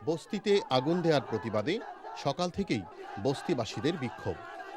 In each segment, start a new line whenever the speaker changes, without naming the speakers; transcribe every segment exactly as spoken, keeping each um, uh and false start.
বস্তিতে আগুন দেওয়ার প্রতিবাদে সকাল থেকেই বস্তিবাসীদের বিক্ষোভ।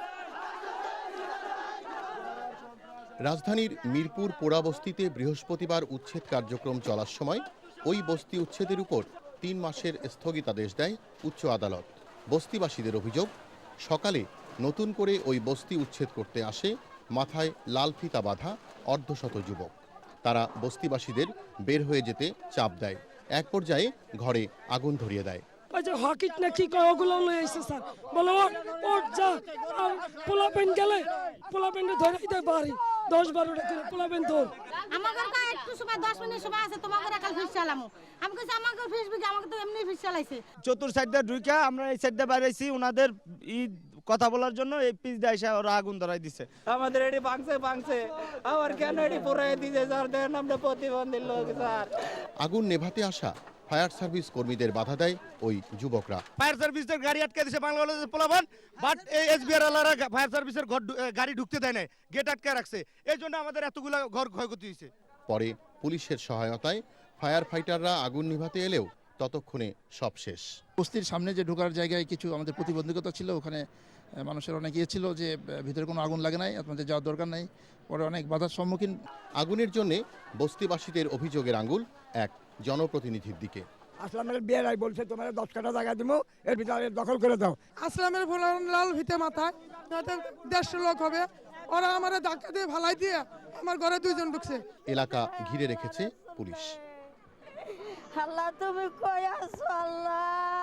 রাজধানীর মিরপুর পোড়া বস্তিতে বৃহস্পতিবার উচ্ছেদ কার্যক্রম চলার সময় ওই বস্তি উচ্ছেদের উপর তিন মাসের স্থগিতাদেশ দেয় উচ্চ আদালত। বস্তিবাসীদের অভিযোগ, সকালে নতুন করে ওই বস্তি উচ্ছেদ করতে আসে মাথায় লাল ফিতা বাঁধা অর্ধশত যুবক। তারা বস্তিবাসীদের বের হয়ে যেতে চাপ দেয়, এক পর্যায়ে ঘরে আগুন ধরিয়ে দেয়।
ওই যে হকিট না কি কয় ওগুলো লয়ে আইছে স্যার, বলো ওট যা, আর পোলা পেন গেলে পোলা পেনটা ধরে দিতে পারি দশ বারোটা করে পোলা পেন ধর।
আমাদের কা একটু সময় দশ মিনিট সময় আছে, তোমাকে রাখাল ফিস চালামু। আমি কইছি আমাকে ফিস বিকে, আমাকে তো এমনি ফিস চালাইছে।
চতুর সাইডটা ঢুইকা আমরা এই সাইডটা বাইরেছি, ওনাদের ই কথা বলার জন্য এই পিস দিয়ে এসে ওরা আগুন ধরাই দিছে। আমাদের এটি ভাঙছে ভাঙছে আবার কেন এটি পুরাই দিছে স্যার, দেন আমরা প্রতিবন্ধী লোক স্যার।
আগুন নেভাতে আসা ফায়ার সার্ভিস কর্মীদের বাধা দেয় ওই যুবকরা।
ফায়ার সার্ভিসের গাড়ি আটকে দিয়েছে বাংলাদেশের পোলাপান, বাট এই এসবিআর ওয়ালারা ফায়ার সার্ভিসের ঘর গাড়ি ঢুকতে দেয় না, গেট আটকে রাখছে। এই জন্য আমাদের এতগুলো ঘর ক্ষয়ক্ষতি হয়েছে।
পরে পুলিশের সহায়তায় ফায়ার ফাইটাররা আগুন নিভাতে এলেও ততক্ষণে সব শেষ।
বস্তির সামনে যে ঢোকার জায়গায় কিছু আমাদের প্রতিবন্ধকতা ছিল, ওখানে মানুষের অনেক ইয়ে ছিল যে ভিতরে কোনো আগুন লাগে নাই, আপনাদের যাওয়ার দরকার নাই। পরে অনেক বাধার সম্মুখীন।
আগুনের জন্যে বস্তিবাসীদের অভিযোগের আঙুল এক জনপ্রতিনিধির দিকে।
আসলামের বিয়েরাই বলছে তোমার দশ কাটা জায়গা দিব, এর ভিতরে দখল করে দাও।
আসলামের ফুলার লাল ফিতে মাথায়, তাদের দেড়শো লোক হবে, ওরা আমার ধাক্কা দিয়ে ভালাই দিয়ে আমার ঘরে দুইজন ঢুকছে।
এলাকা ঘিরে রেখেছে পুলিশ।
আল্লাহ তুমি কই আছো আল্লাহ?